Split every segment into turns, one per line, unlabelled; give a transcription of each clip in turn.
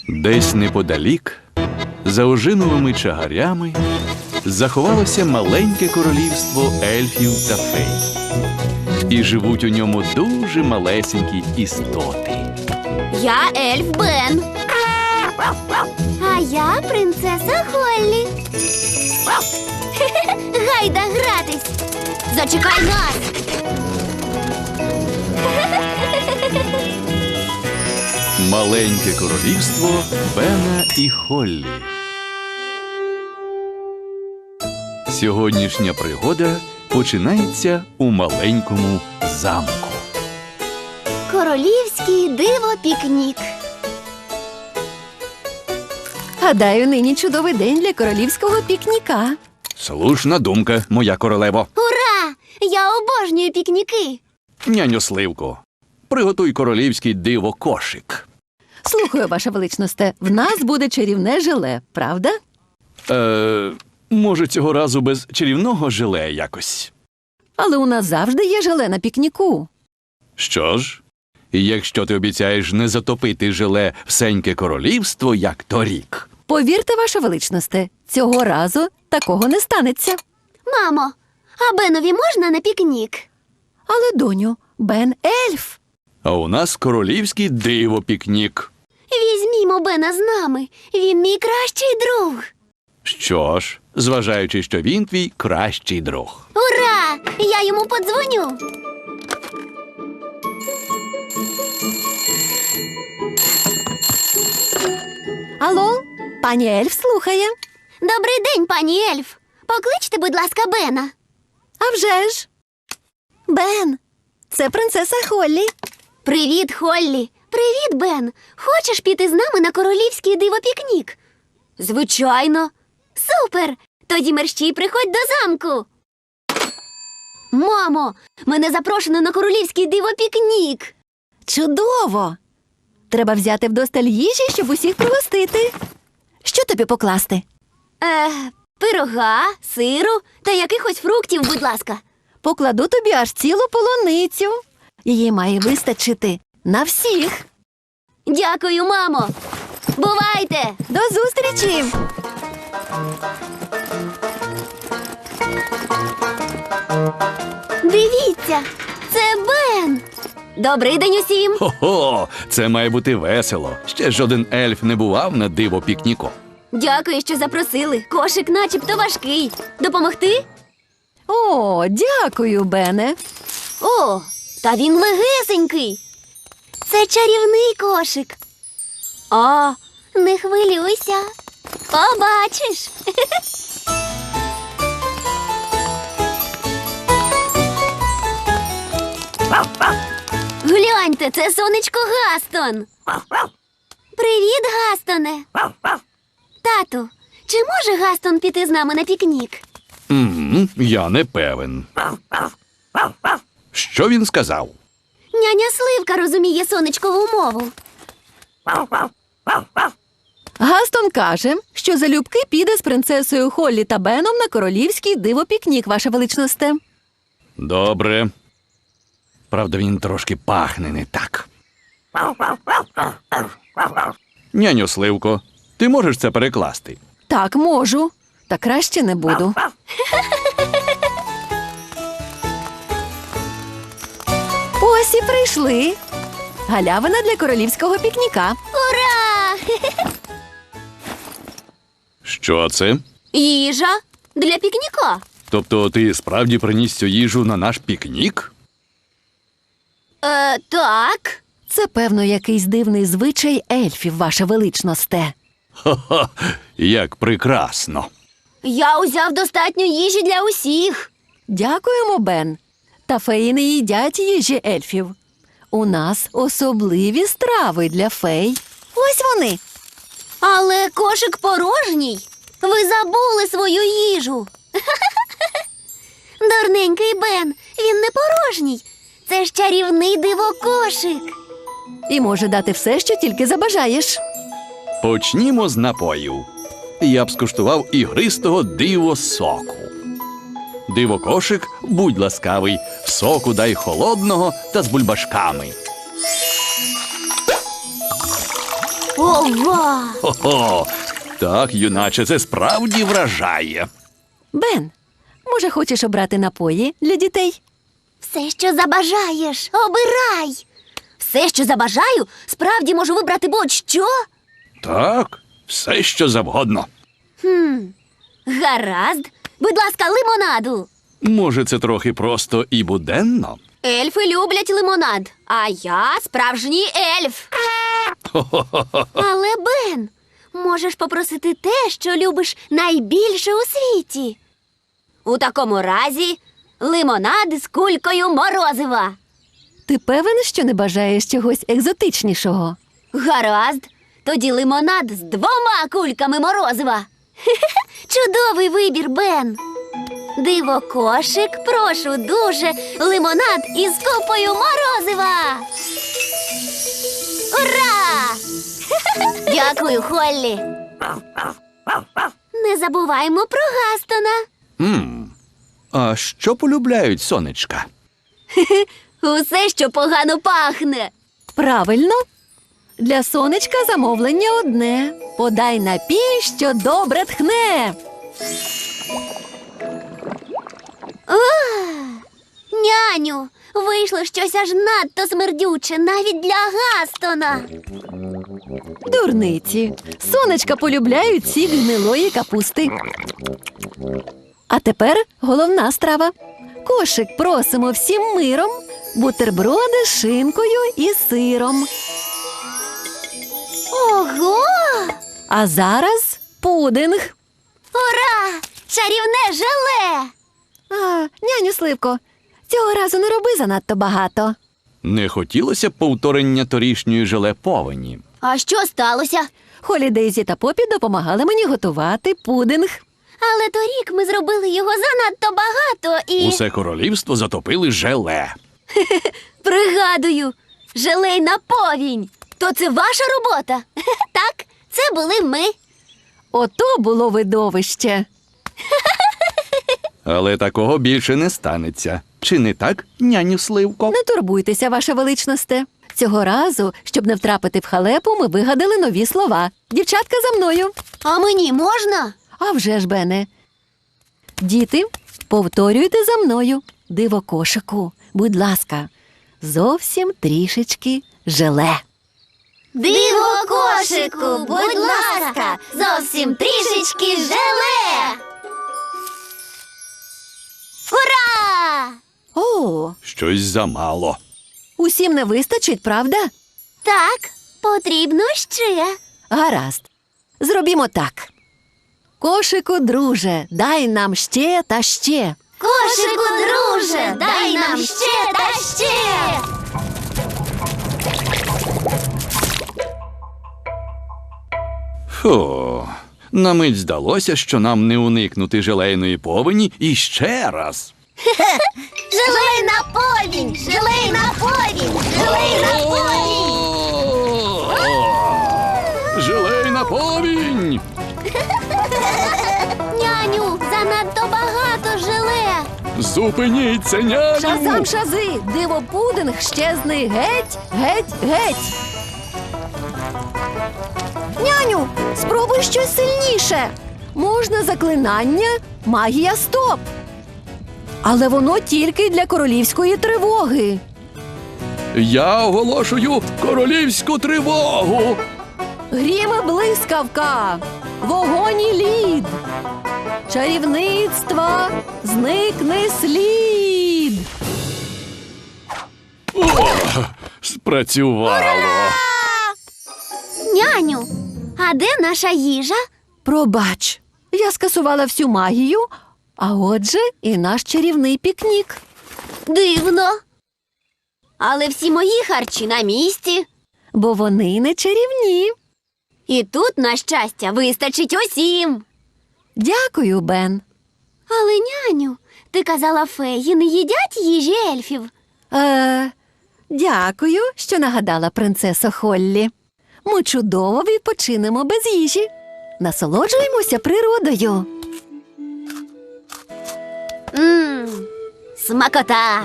Десь неподалік, за ожиновими чагарями, заховалося маленьке королівство ельфів та фей. І живуть у ньому дуже малесенькі істоти.
Я ельф Бен. А я принцеса Холлі. Гайда гратись. Зачекай нас.
Маленьке королівство Бена і Холлі. Сьогоднішня пригода починається у маленькому замку.
Королівський диво-пікнік.
Гадаю, нині чудовий день для королівського пікніка.
Слушна думка, моя королево.
Ура! Я обожнюю пікніки.
Няню Сливко, приготуй королівський диво-кошик.
Слухаю, ваша величносте, в нас буде чарівне желе, правда?
Може, цього разу без чарівного желе якось?
Але у нас завжди є желе на пікніку.
Що ж, якщо ти обіцяєш не затопити желе всеньке королівство, як торік.
Повірте, ваша величносте, цього разу такого не станеться.
Мамо, а Бенові можна на пікнік?
Але, доню, Бен ельф.
А у нас королівський диво-пікнік.
Візьмімо Бена з нами. Він мій кращий друг.
Що ж, зважаючи, що він твій кращий друг.
Ура! Я йому подзвоню.
Алло, пані ельф слухає.
Добрий день, пані ельф. Покличте, будь ласка, Бена.
А вже ж. Бен, це принцеса Холлі.
Привіт, Холлі. Привіт, Бен. Хочеш піти з нами на королівський диво-пікнік? Звичайно. Супер! Тоді мерщій приходь до замку. Мамо, мене запрошено на королівський диво-пікнік.
Чудово! Треба взяти вдосталь їжі, щоб усіх пригостити. Що тобі покласти?
Пирога, сиру та якихось фруктів, будь ласка.
Покладу тобі аж цілу полуницю. Її має вистачити на всіх.
Дякую, мамо. Бувайте!
До зустрічі!
Дивіться, це Бен. Добрий день усім.
Хо-хо, це має бути весело. Ще жоден ельф не бував на диво-пікніку.
Дякую, що запросили. Кошик начебто важкий. Допомогти?
О, дякую, Бене.
О, та він легесенький. Це чарівний кошик. О, не хвилюйся. Побачиш. Гляньте, це сонечко Гастон. Привіт, Гастоне. Тату, чи може Гастон піти з нами на пікнік?
Я не певен. Що він сказав?
Няня Сливка розуміє сонечкову мову.
Гастон каже, що залюбки піде з принцесою Холлі та Беном на королівський диво-пікнік, ваша величносте.
Добре. Правда, він трошки пахне не так. Няню Сливко, ти можеш це перекласти?
Так, можу. Та краще не буду. Ось і прийшли. Галявина для королівського пікніка.
Ура!
Що це?
Їжа для пікніка.
Тобто ти справді приніс цю їжу на наш пікнік?
Так.
Це, певно, якийсь дивний звичай ельфів, ваша величносте.
Ха-ха, як прекрасно.
Я узяв достатньо їжі для усіх.
Дякуємо, Бен. Та феї не їдять їжі ельфів. У нас особливі страви для фей. Ось вони.
Але кошик порожній. Ви забули свою їжу. Дурненький Бен, він не порожній. Це ж чарівний диво-кошик.
І може дати все, що тільки забажаєш.
Почнімо з напоїв. Я б скуштував ігристого диво-соку. Диво-кошик, будь ласкавий, соку дай холодного та з бульбашками.
Ова!
Хо-хо! Так, юначе, це справді вражає.
Бен, може, хочеш обрати напої для дітей?
Все, що забажаєш, обирай. Все, що забажаю, справді можу вибрати будь-що.
Так, все, що завгодно.
Гаразд. Будь ласка, лимонаду.
Може, це трохи просто і буденно?
Ельфи люблять лимонад, а я справжній ельф. Але, Бен, можеш попросити те, що любиш найбільше у світі. У такому разі лимонад з кулькою морозива.
Ти певен, що не бажаєш чогось екзотичнішого?
Гаразд, тоді лимонад з 2 кульками морозива. Чудовий вибір, Бен. Диво кошик, прошу дуже, лимонад із купою морозива. Ура! Дякую, Холлі. Не забуваймо про Гастона.
А що полюбляють сонечка?
Усе, що погано пахне.
Правильно. Для сонечка замовлення одне. Подай напій, що добре тхне.
Няню, вийшло щось аж надто смердюче, навіть для Гастона.
Дурниці. Сонечка полюбляють сік гнилої капусти. А тепер головна страва. Кошик просимо всім миром. Бутерброди з шинкою і сиром.
Ого!
А зараз пудинг.
Ура! Чарівне желе!
А, няню Сливко, цього разу не роби занадто багато.
Не хотілося б повторення торішньої желе повені.
А що сталося?
Холі, Дейзі та Попі допомагали мені готувати пудинг.
Але торік ми зробили його занадто багато і...
Усе королівство затопили желе.
Пригадую, желейна повінь. То це ваша робота? Так, це були ми.
Ото було видовище.
Але такого більше не станеться. Чи не так, няню Сливко?
Не турбуйтеся, ваша величносте. Цього разу, щоб не втрапити в халепу, ми вигадали нові слова. Дівчатка, за мною.
А мені можна?
А вже ж, Бене. Діти, повторюйте за мною. Диво кошику, будь ласка, зовсім трішечки желе.
Диво кошику, будь ласка, зовсім трішечки желе. Ура!
О,
Щось замало.
усім не вистачить, правда?
Так, потрібно ще.
Гаразд. Зробімо так. Кошику, друже, дай нам ще та ще.
Кошику, друже, дай нам ще та ще.
Фу, на мить здалося, що нам не уникнути желейної повені і ще раз.
Желейна повінь, желейна повінь, желейна повінь.
Желейна повінь!
Няню, занадто багато желе.
Зупиніться, няню!
Шазам шази, диво пудинг, щезни геть, геть, геть. Няню, спробуй щось сильніше. Можна заклинання магія стоп. Але воно тільки для королівської тривоги.
Я оголошую королівську тривогу!
Грім і блискавка, вогонь і лід. Чарівництва зникне слід.
О, спрацювало!
Няню, а де наша їжа?
Пробач, я скасувала всю магію, а отже і наш чарівний пікнік.
Дивно. Але всі мої харчі на місці.
Бо вони не чарівні.
І тут, на щастя, вистачить усім.
Дякую, Бен.
Але, няню, ти казала, феї не їдять їжі ельфів.
Дякую, що нагадала, принцесо Холлі. Ми чудово відпочинемо без їжі. Насолоджуємося природою.
Смакота.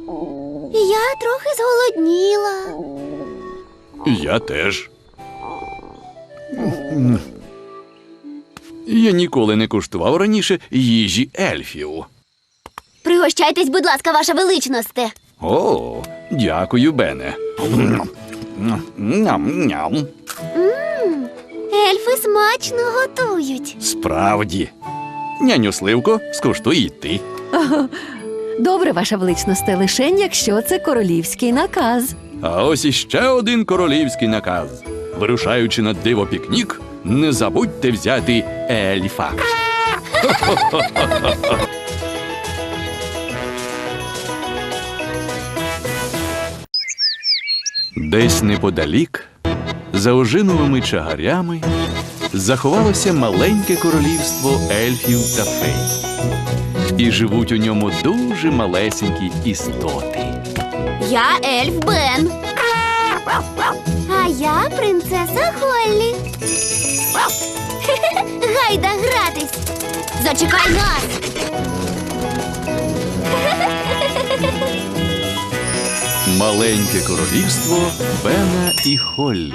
Я трохи зголодніла.
Я теж. Я ніколи не куштував раніше їжі ельфів.
Пригощайтесь, будь ласка, ваша величносте.
О, дякую, Бене. Ням-ням.
Ельфи смачно готують.
Справді. Няню Сливко, скуштуй і ти.
Добре, ваша величносте, лишень, якщо це королівський наказ.
А ось іще один королівський наказ. Вирушаючи на диво-пікнік, не забудьте взяти ельфа. Десь неподалік, за ожиновими чагарями, заховалося маленьке королівство ельфів та фей. І живуть у ньому дуже малесенькі істоти.
Я ельф Бен. А я принцеса Холлі. Гайда гратись. Зачекай нас.
Маленьке королівство Бена і Холлі.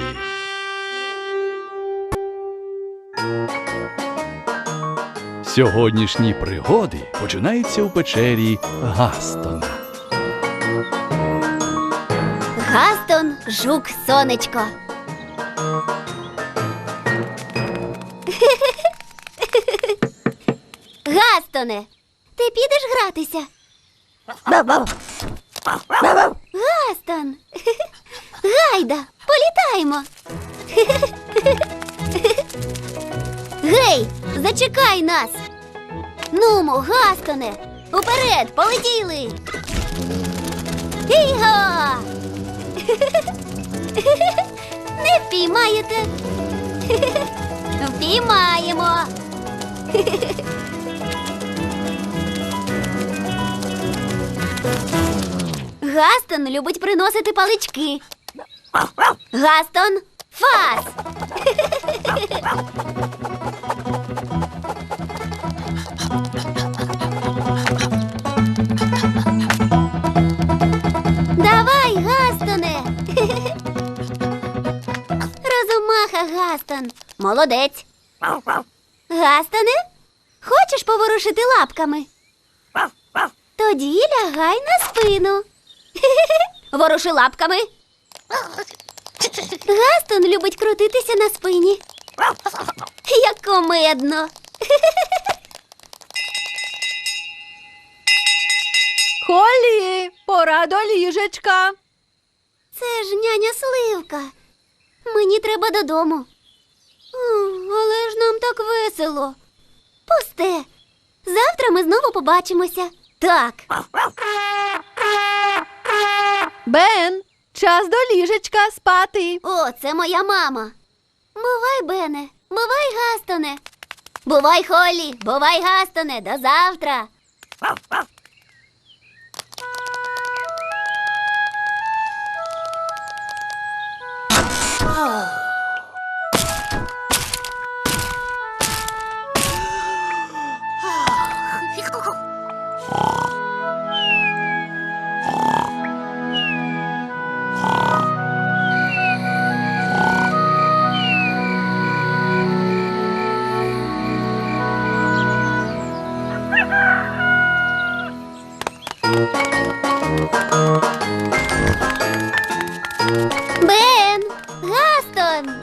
Сьогоднішні пригоди починаються у печері Гастона.
Гастон, жук, сонечко. Гастоне, ти підеш гратися? Гастон. Гайда, політаємо. Гей, зачекай нас. Нумо, Гастоне, уперед, полетіли. Іга! Не впіймаєте? Впіймаємо. Гастон любить приносити палички. Гастон, фас! Давай, Гастоне! Розумаха, Гастон. Молодець. Гастоне, хочеш поворушити лапками? Тоді лягай на спину. Воруши лапками. Гастон любить крутитися на спині. Як кумедно.
Холлі, пора до ліжечка.
Це ж няня Сливка. Мені треба додому. Але ж нам так весело. Пусте. Завтра ми знову побачимося. Так.
Бен, час до ліжечка спати.
О, це моя мама. Бувай, Бене. Бувай, Гастоне. Бувай, Холлі. Бувай, Гастоне. До завтра. Бен! Гастон!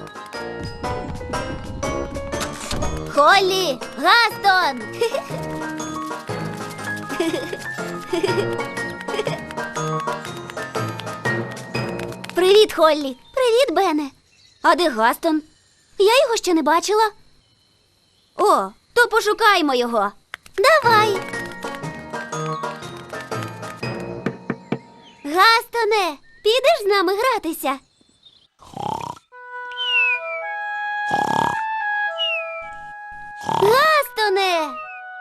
Холлі! Гастон! Привіт, Холлі! Привіт, Бене! А де Гастон? Я його ще не бачила. О, то пошукаймо його. Давай! Гастоне, підеш з нами гратися? Гастоне!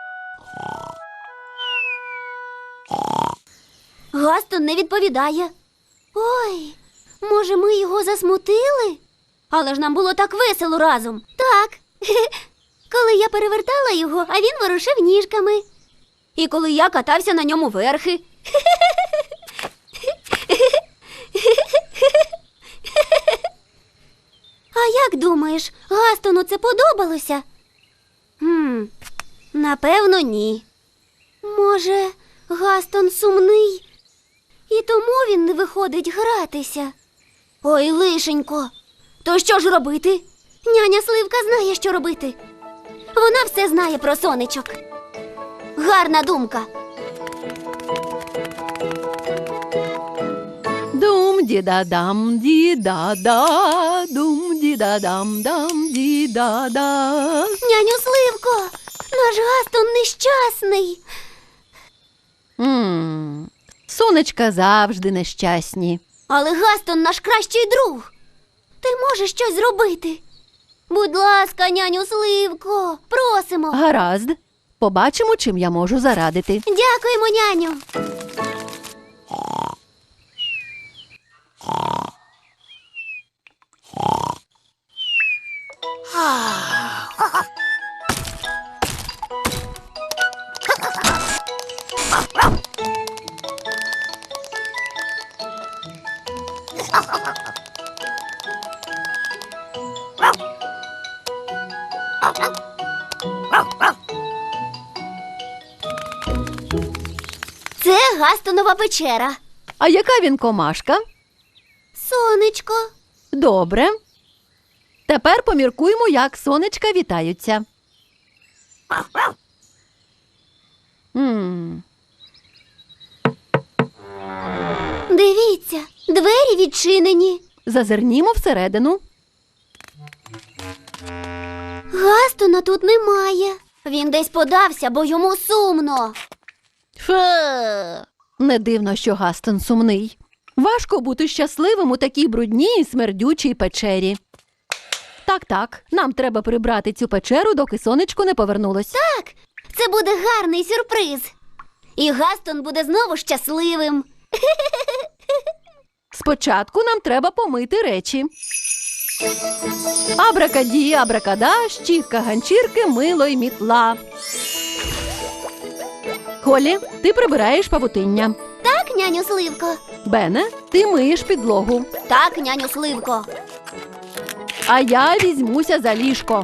Гастон не відповідає. Ой, може, ми його засмутили? Але ж нам було так весело разом. Так. Коли я перевертала його, а він ворушив ніжками. І коли я катався на ньому верхи. А Як думаєш, Гастону це подобалося? Напевно, ні. Може, Гастон сумний, і тому він не виходить гратися. Ой, лишенько, то що ж робити? Няня Сливка знає, що робити. Вона все знає про сонечок. Гарна думка.
Дум-ді-да-дам, ді-да-да, дум-ді-да-дам-дам, ді-да-да.
Няню Сливко, наш Гастон нещасний.
Сонечка завжди нещасні.
Але Гастон наш кращий друг. Ти можеш щось зробити? Будь ласка, няню Сливко, просимо.
Гаразд. Побачимо, чим я можу зарадити.
Дякуємо, няню. Це Гастонова печера.
А яка він комашка?
Сонечко.
Добре. Тепер поміркуємо, як сонечка вітаються.
Дивіться, двері відчинені.
Зазирнімо всередину.
Гастона тут немає. Він десь подався, бо йому сумно.
Не дивно, що Гастон сумний. Важко бути щасливим у такій брудній і смердючій печері. Так, нам треба прибрати цю печеру, доки сонечко не повернулось.
Так, це буде гарний сюрприз. І Гастон буде знову щасливим.
Спочатку нам треба помити речі. Абракаді, абракада, щітка, ганчірки, мило й мітла. Холі, ти прибираєш павутиння.
Так, няню Сливко?
Бене, ти миєш підлогу.
Так, няню Сливко.
А я візьмуся за ліжко.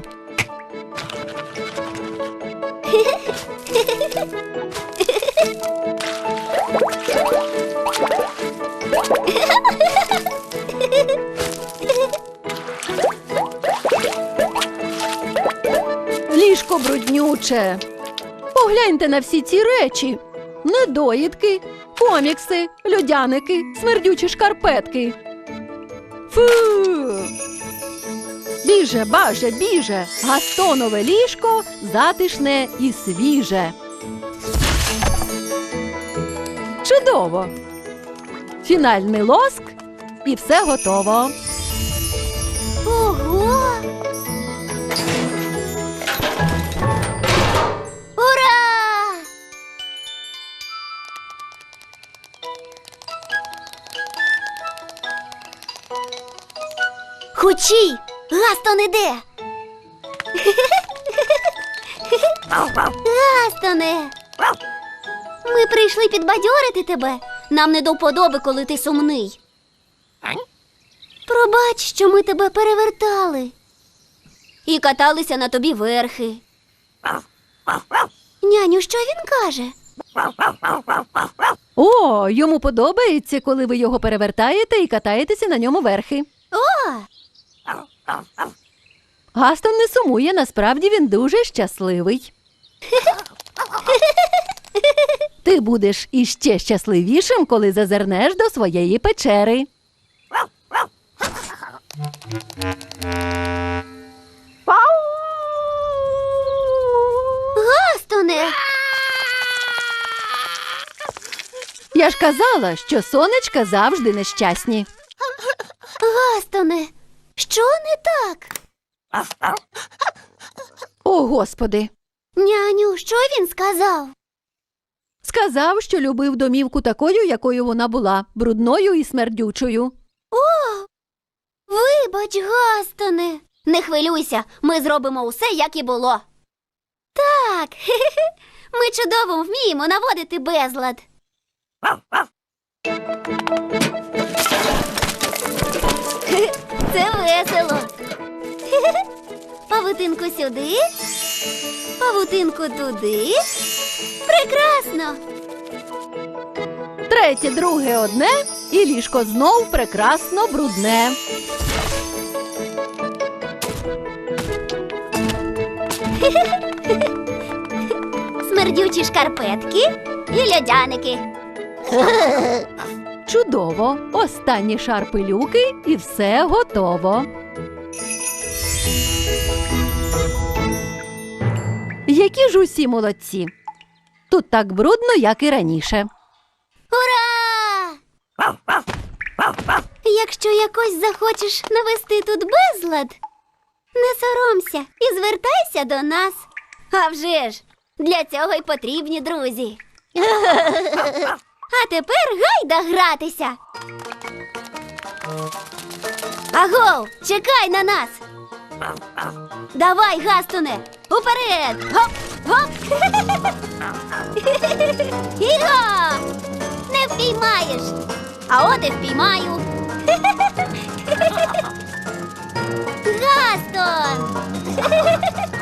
Ліжко бруднюче. Погляньте на всі ці речі. Недоїдки, комікси, льодяники, смердючі шкарпетки. Фу! Біже, баже, біже, Гастонове ліжко затишне і свіже. Чудово! Фінальний лоск і все готово.
Ого! Ура! Хочій! Гастон іде! Гастоне! Ми прийшли підбадьорити тебе. Нам не до вподоби, коли ти сумний. Пробач, що ми тебе перевертали. І каталися на тобі верхи. Няню, що він каже?
О, йому подобається, коли ви його перевертаєте і катаєтеся на ньому верхи.
О!
Гастон не сумує, насправді він дуже щасливий. Ти будеш іще щасливішим, коли зазирнеш до своєї печери.
Гастоне!
Я ж казала, що сонечка завжди нещасні.
Гастоне! Що не так?
О, Господи!
Няню, що він сказав?
Сказав, що любив домівку такою, якою вона була, брудною і смердючою.
Вибач, Гастоне. Не хвилюйся, ми зробимо усе, як і було. Так, ми чудово вміємо наводити безлад. Це весело. Павутинку сюди, павутинку туди. Прекрасно!
Третє, друге одне, і ліжко знов прекрасно брудне.
Смердючі шкарпетки і льодяники.
Чудово! Останній шар пилюки і все готово. Які ж усі молодці! Тут так брудно, як і раніше.
Ура! Якщо якось захочеш навести тут безлад, не соромся і звертайся до нас. А вже ж, для цього й потрібні друзі. А тепер гайда гратися. Агов, чекай на нас. Давай, Гастуне, уперед! Гоп, гоп! Іго! Не впіймаєш! А от і впіймаю! Гастон!